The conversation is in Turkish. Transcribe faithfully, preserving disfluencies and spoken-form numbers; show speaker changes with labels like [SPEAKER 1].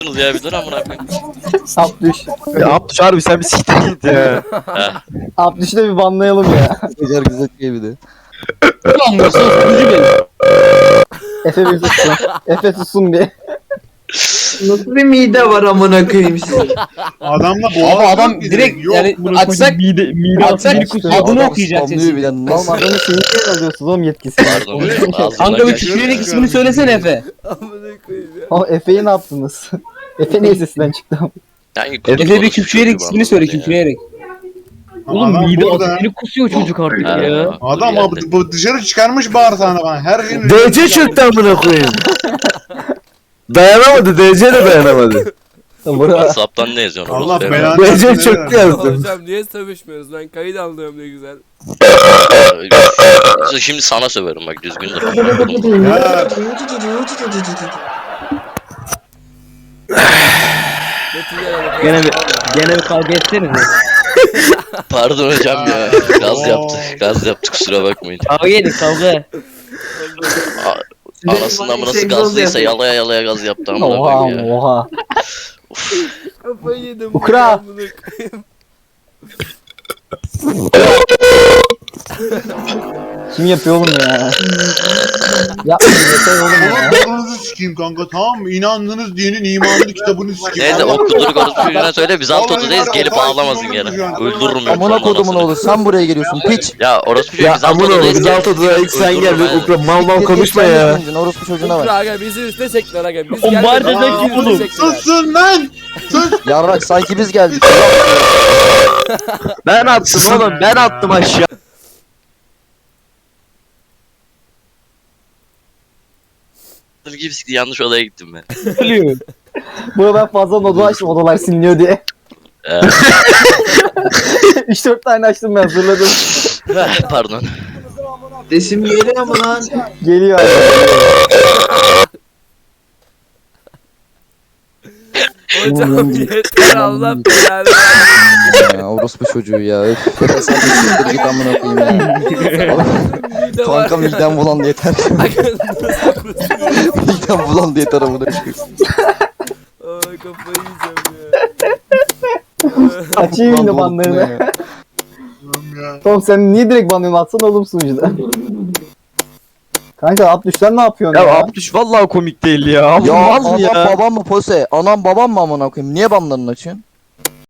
[SPEAKER 1] ya bir dur amına koyayım.
[SPEAKER 2] Abdüş.
[SPEAKER 3] Ya Abdüş harbi sen bir siktir git ya.
[SPEAKER 2] Abdüş'ü de bir banlayalım ya.
[SPEAKER 4] Güzel güzel şey bir de.
[SPEAKER 5] Anlıyorsun sunucu benim.
[SPEAKER 2] Efe bir sussun. Efe sussun bir.
[SPEAKER 6] Nasıl bir mide var amına koyayım sizin?
[SPEAKER 7] Adamla
[SPEAKER 5] Abi
[SPEAKER 7] boğaz
[SPEAKER 5] adam
[SPEAKER 7] yok ki
[SPEAKER 5] direkt
[SPEAKER 7] yok.
[SPEAKER 5] yani açsak
[SPEAKER 3] Mide, mide
[SPEAKER 5] açsak
[SPEAKER 2] kusuyor.
[SPEAKER 5] adını
[SPEAKER 4] Adam
[SPEAKER 5] okuyacak
[SPEAKER 4] spamlıyor
[SPEAKER 5] sesi.
[SPEAKER 4] bile.
[SPEAKER 2] Oğlum
[SPEAKER 4] Nasıl?
[SPEAKER 2] adamın şeyini niye alıyorsunuz oğlum yetkisini?
[SPEAKER 1] Pardon. Ağzına
[SPEAKER 5] Kanka bir
[SPEAKER 1] kaç-
[SPEAKER 5] küfürlük ismini söylesene Efe.
[SPEAKER 6] Amına koyayım ya.
[SPEAKER 2] Oğlum Efe'yi ne yaptınız? Efe niye sesinden çıktı?
[SPEAKER 1] Yani
[SPEAKER 5] Efe bir
[SPEAKER 1] orospu
[SPEAKER 5] küfreyerek
[SPEAKER 1] çocuğu
[SPEAKER 5] ismini söyle
[SPEAKER 1] bana ya.
[SPEAKER 5] küfreyerek.
[SPEAKER 7] Oğlum
[SPEAKER 3] Oğlum mide
[SPEAKER 7] burada.
[SPEAKER 3] asitini kusuyor çocuk artık
[SPEAKER 1] Ha,
[SPEAKER 3] ya.
[SPEAKER 1] dur
[SPEAKER 7] Adam
[SPEAKER 1] geldi.
[SPEAKER 7] abi bu dışarı çıkarmış bağırsağına bana. Her şeyin
[SPEAKER 3] D C çöktü amına koyayım. Dayanamadı, D C de dayanamadı.
[SPEAKER 2] Bura.
[SPEAKER 1] WhatsApp'tan ne yazıyorsun?
[SPEAKER 7] Allah
[SPEAKER 1] orospu
[SPEAKER 7] belanı
[SPEAKER 3] D C
[SPEAKER 7] versin,
[SPEAKER 3] çöktü
[SPEAKER 7] neler
[SPEAKER 3] yazdım.
[SPEAKER 6] Hocam niye sövüşmüyoruz? Ben kayıt alıyorum ne güzel.
[SPEAKER 1] evladı? Şimdi sana söverim bak düzgün dur.
[SPEAKER 7] Ya
[SPEAKER 5] Gene bir gene bir kavga etsenize.
[SPEAKER 1] Pardon hocam ya. Gaz
[SPEAKER 7] Oo.
[SPEAKER 1] yaptı. Gaz yaptı kusura bakmayın.
[SPEAKER 5] Kavga edin kavga.
[SPEAKER 1] Anasından nasıl gazlıysa yalaya yalaya gaz yaptı amına
[SPEAKER 2] Oha
[SPEAKER 1] koyayım ya.
[SPEAKER 2] oha.
[SPEAKER 6] Kafayı yedim.
[SPEAKER 2] Ukra.
[SPEAKER 6] amına koyayım.
[SPEAKER 2] Kim yapıyor oğlum ya? Yapmayın yeter oğlum ya.
[SPEAKER 7] Oğlum sikeyim kanka tamam mı? İnandığınız dinin imanlı kitabını sikeyim.
[SPEAKER 1] Neyse
[SPEAKER 7] Allah-
[SPEAKER 1] o kuduruk orospu çocuğuna söyle biz alt
[SPEAKER 7] Vallahi
[SPEAKER 1] odadayız
[SPEAKER 7] var,
[SPEAKER 1] gelip
[SPEAKER 7] o kadar
[SPEAKER 1] ağlamasın
[SPEAKER 7] sinirli
[SPEAKER 1] gene.
[SPEAKER 7] olacağım.
[SPEAKER 1] Öldürürüm yoksa
[SPEAKER 4] Amına
[SPEAKER 1] onun
[SPEAKER 4] kodumun
[SPEAKER 1] anasını.
[SPEAKER 4] oğlu sen buraya geliyorsun piç.
[SPEAKER 1] Ya orospu çocuğu
[SPEAKER 3] Ya
[SPEAKER 1] biz alt
[SPEAKER 3] amına koyayım
[SPEAKER 1] odadayız.
[SPEAKER 3] biz alt odada ilk sen
[SPEAKER 1] Öldürürüm
[SPEAKER 3] geldin.
[SPEAKER 1] ben.
[SPEAKER 3] Ukra mal mal
[SPEAKER 4] Git,
[SPEAKER 3] konuşma
[SPEAKER 4] git,
[SPEAKER 3] ya.
[SPEAKER 4] sen de Orospu çocuğuna
[SPEAKER 6] Ukra
[SPEAKER 4] bak.
[SPEAKER 6] aga bizi üste çektiler aga. Biz
[SPEAKER 5] O
[SPEAKER 6] geldik.
[SPEAKER 5] bari de
[SPEAKER 6] bizi
[SPEAKER 5] zeki
[SPEAKER 6] üste
[SPEAKER 5] oğlum.
[SPEAKER 6] çektiler.
[SPEAKER 7] Susun lan! Sus!
[SPEAKER 4] Yarrak sanki biz geldik.
[SPEAKER 3] Ben attım oğlum ben attım aşağı.
[SPEAKER 1] Gibi sikti, yanlış odaya gittim ben.
[SPEAKER 5] Ölüyor.
[SPEAKER 2] Burada ben fazla oda açtım odalar siliniyor diye.
[SPEAKER 1] Ee,
[SPEAKER 2] üç dört tane açtım ben hazırladım.
[SPEAKER 1] Pardon.
[SPEAKER 6] Desim geliyor mu lan?
[SPEAKER 2] Geliyor abi.
[SPEAKER 6] Hocam yeter Allah belanı versin.
[SPEAKER 4] Ya, orospu çocuğu ya. Öf. Sen de siktir git amına koyayım ya.
[SPEAKER 6] Mide var
[SPEAKER 4] Kanka
[SPEAKER 6] ya.
[SPEAKER 4] midem bulandı yeter.
[SPEAKER 6] Aga, nasıl kusuyor?
[SPEAKER 4] Midem bulandı yeter amına koyayım.
[SPEAKER 6] Ay kafayı yiyeceğim ya.
[SPEAKER 2] Açayım yine banlarını.
[SPEAKER 7] Oğlum ya.
[SPEAKER 2] Tom sen niye direkt banlıyorsun atsana oğlum sunucuda. Kanka Abdüş sen ne yapıyorsun ya?
[SPEAKER 3] Ya Abdüş vallahi komik değil ya.
[SPEAKER 4] Ya
[SPEAKER 3] Olmaz
[SPEAKER 4] anam
[SPEAKER 3] ya.
[SPEAKER 4] babam mı pose? Anam babam mı amına koyayım? Niye banlarını açıyorsun?